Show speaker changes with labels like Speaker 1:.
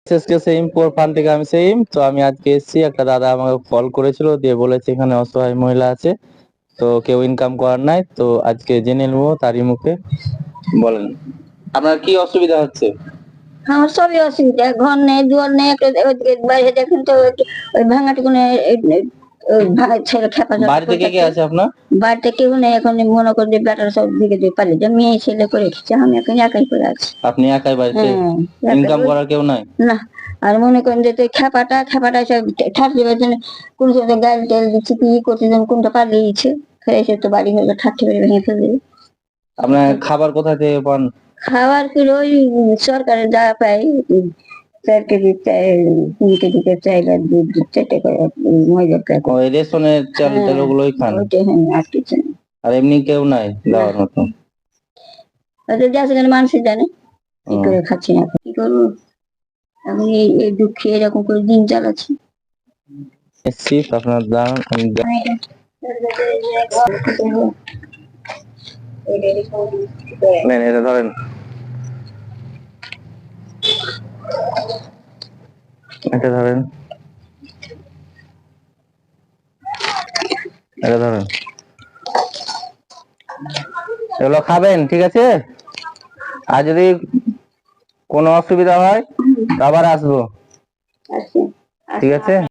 Speaker 1: SSK সেইমপুর fun থেকে আমি same. তো আমি আজকে এসেছি, একটা দাদা আমাকে কল করেছিল, দিয়ে বলেছে এখানে অসহায় মহিলা আছে, তো কেউ ইনকাম করার নাই, তো আজকে জেনে নেবো তারই মুখে। বলেন আপনার কি অসুবিধা হচ্ছে?
Speaker 2: আমার সবই অসুবিধা, ঘর নেই দুয়ার নেই, একটা ওইদিকে বাইরে দেখেন তো ওই ভাঙাটুকুনে ভাঙা ছেলে খেপা
Speaker 1: বাড়িতে কে কে আছে আপনার?
Speaker 2: বাড়িতে কেউ নেই এখন, মনে করেন যে বেটার সব দিকে দিয়ে পালিয়ে যায়, মেয়ে ছেলে করে রেখেছে, আমি এখন একাই করে আছি।
Speaker 1: আপনি একাই বাড়িতে? ইনকাম করার কেউ নাই?
Speaker 2: না। আর মনে করেন যে তুই খেপাটা সব ঠাস দেওয়ার জন্য কোন সময় গাড়ি তেল দিচ্ছে কি করছে যেন কোনটা পালিয়েছে, খেয়েছে তো বাড়ি হলে ঠাট্টি বেড়ে ভেঙে ফেলবে।
Speaker 1: আপনার খাবার কোথা থেকে পান?
Speaker 2: খাবার কি ওই সরকারের যা পাই, 4 কেজি চাল, 3 কেজি চাইল আর 2-4 করে ময়দার প্যাকেট।
Speaker 1: ওই রেশনের চাল টাল ওগুলোই খান?
Speaker 2: ওইটা হ্যাঁ, আর কিছু না।
Speaker 1: আর এমনি কেউ নাই দেওয়ার মতো?
Speaker 2: ওদের দেশে গেলে মানুষই জানে কি করে খাচ্ছি না কি করবো, এখন এই দুঃখে এরকম করে দিন চালাচ্ছি।
Speaker 1: এসছি আপনার দাঁড়ান, নেন এটা ধরেন, এটা ধরেন, এটা ধরেন, এগুলো খাবেন, ঠিক আছে? আর যদি কোনো অসুবিধা হয় আবার আসবো, ঠিক আছে?